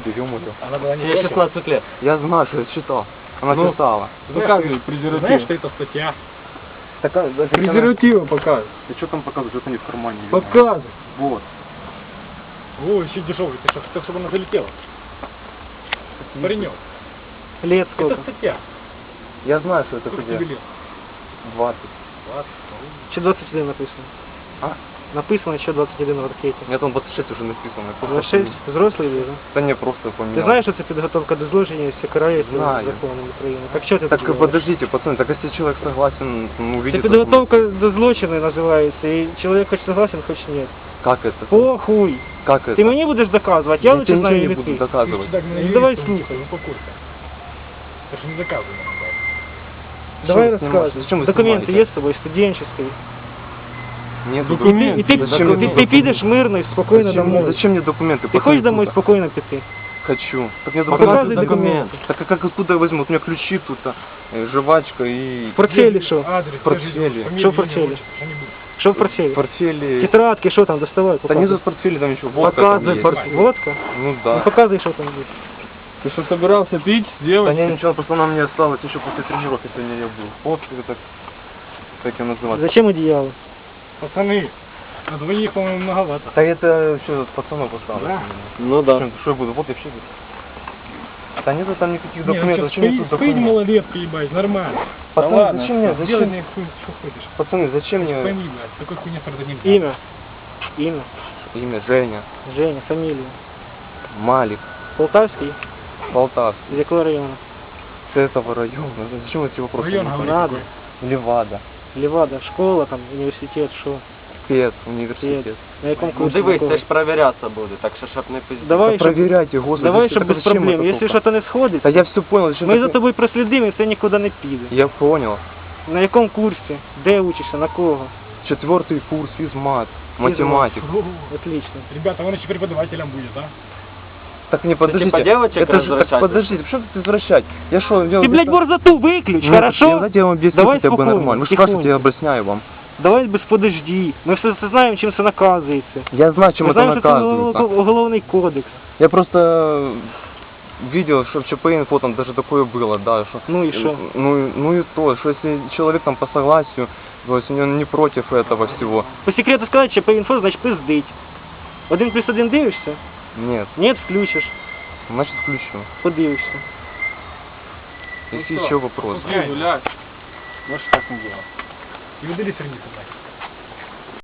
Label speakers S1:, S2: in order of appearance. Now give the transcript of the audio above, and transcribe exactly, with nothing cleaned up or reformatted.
S1: годы, ё-моё.
S2: Она была не
S3: Ей шестнадцать лет.
S1: Я знаю, что я читал. Она
S2: Ну,
S1: писала.
S2: Показывай презерватив. Знаешь, что это статья?
S1: Так, а, так,
S2: Презервативы показывай.
S1: Ты что там показываешь? Это не в кармане. ё-моё.
S2: Показывай.
S1: Вот.
S2: О, еще дешевый. Ты что, хотел, чтобы она залетела? Паренек.
S3: Лет
S2: Это
S3: сколько?
S2: статья.
S1: Я знаю, что это
S2: Сколько
S1: где.
S2: тебе лет?
S1: двадцать.
S2: двадцать.
S3: Че двадцать один написано?
S1: А?
S3: Написано еще двадцать один в ракете.
S1: Нет, там двадцать шесть уже написано. я просто
S3: двадцать шесть?
S1: помню.
S3: Взрослий люди, да?
S1: Да не, просто поменял.
S3: Ти знаєш, що це підготовка до злочинів, все карається
S1: Знаю.
S3: законом України? Так що ти
S1: Так
S3: тут говориш?
S1: подождите, пацаны, так если человек согласен, ну,
S3: Це
S1: увидит...
S3: підготовка до злочину називається, і чоловік хоч согласен, хоч ні.
S1: Как это?
S3: Похуй!
S1: Как это?
S3: Ти мені будеш доказувати, я
S1: Я
S3: лучше
S1: тебе
S3: знаю,
S1: ничего не
S3: или
S1: буду
S3: ти.
S1: доказывать.
S2: Так,
S3: Ну, давай слухай.
S2: Успокойся. Это же не доказано.
S3: Давай
S1: Что вы снимаете?
S3: розказуй.
S1: Зачем вы
S3: Документи
S1: снимаете?
S3: є з тобою, студенческий.
S1: Нет
S3: І ти,
S1: документов.
S3: і ти,
S1: Зачем
S3: ти,
S1: мне
S3: ти, ти підеш мирно і спокійно
S1: Зачем, мне-
S3: домой.
S1: зачем мне документы?
S3: Ти хочеш
S1: Пацаны,
S3: домой
S1: тут-
S3: спокійно піти?
S1: Хочу. Так мне
S3: Показывай
S1: документы.
S3: документы.
S1: Так а как откуда я возьму? Вот у меня ключи тут, а, э, жвачка и...
S3: В портфелі що?
S2: Адрес,
S1: портфеле.
S3: Що в портфелі? Що в портфелі?
S1: Портфели...
S3: Тетрадки, що там, доставай,
S1: Да нет
S3: показуй.
S1: в портфеле там ничего. Водка там
S3: Показуй,
S1: есть.
S3: портфель. Водка?
S1: Ну
S3: Ну
S1: да.
S3: показуй, що там є.
S2: Ты что, собирался пить с
S1: Да
S2: девочкой?
S1: не, ничего, просто она мне осталась еще после тренировки, сегодня я был. Вот это, как ее называть.
S3: Зачем одіяло?
S2: Пацаны, на двоих, по-моему, многовато.
S1: Да это еще пацанов осталось.
S2: Да?
S1: Ну да. Что я буду? Вот я вообще буду. Да нету там никаких документов. Зачем мне тут
S2: Спыть
S1: документы?
S2: малолетки, ебать, нормально.
S1: Пацаны,
S2: Да ладно,
S1: зачем мне-
S2: сделай
S1: зачем-
S2: мне хуй, что хочешь.
S1: Пацаны, зачем мне
S2: Пойми, блядь, такой хуйня страдать нельзя.
S3: Ім'я. Ім'я.
S1: имя Женя,
S3: Женя, фамілія.
S1: Малик,
S3: Полтавський?
S1: Полтавский,
S3: З якого району?
S1: с этого района? Зачем эти вопросы?
S2: Район,
S1: мне?
S2: говори,
S3: Надо.
S2: какой.
S1: Левада,
S3: Лівада, школа, там, університет, що?
S1: спец, университет.
S3: На якому
S4: Ну
S3: курсі?
S4: дивись,
S3: якого?
S4: це ж перевірятися буде, так що щоб не пиздіть.
S3: Давай,
S1: Да
S3: щоб,
S1: проверяйте, господи.
S3: давай,
S1: зачем-
S3: щоб
S1: так
S3: без
S1: зачем
S3: проблем.
S1: это
S3: Якщо
S1: только?
S3: щось не сходить,
S1: Да я все понял. зачем
S3: ми
S1: так-
S3: за тобою прослідимо і це нікуди не піде.
S1: Я понял.
S3: На якому курсі? Де учишся? На кого?
S1: Четвертый курс физмат, математик.
S3: Отлично.
S2: Ребята, он еще преподавателем будет, да?
S1: Так не подождите.
S4: типа девочек
S1: это же, так
S4: развращать?
S1: подождите, что тут извращать? Я что, я
S3: Ти, блядь, борзоту виключ, хорошо?
S1: Давайте я вам объясню
S3: Давай
S1: хотя бы
S3: спокойно,
S1: нормально. Вы
S3: тихонько.
S1: спрашиваете, я объясняю вам.
S3: Давай без подожди. Ми все це знаємо, чим це наказується.
S1: Я знаю, чем
S3: Ми
S1: это
S3: знаємо, що це
S1: наказывается.
S3: уголовний кодекс.
S1: Я просто видел, что в ЧП-инфо там даже такое было, да, что...
S3: Ну и что?
S1: Ну, и- ну и то, что если человек там по согласию, то есть он не против этого всего.
S3: По секрету сказати, що по інфо, значить пиздить. Один плюс один дивишся?
S1: Нет,
S3: Нет, включиш.
S1: значит включу.
S3: Подивишся.
S1: Если
S2: Ну что,
S1: еще вопросы.
S2: пускай, гулять. Можешь так не делать. И удали страницу, блядь.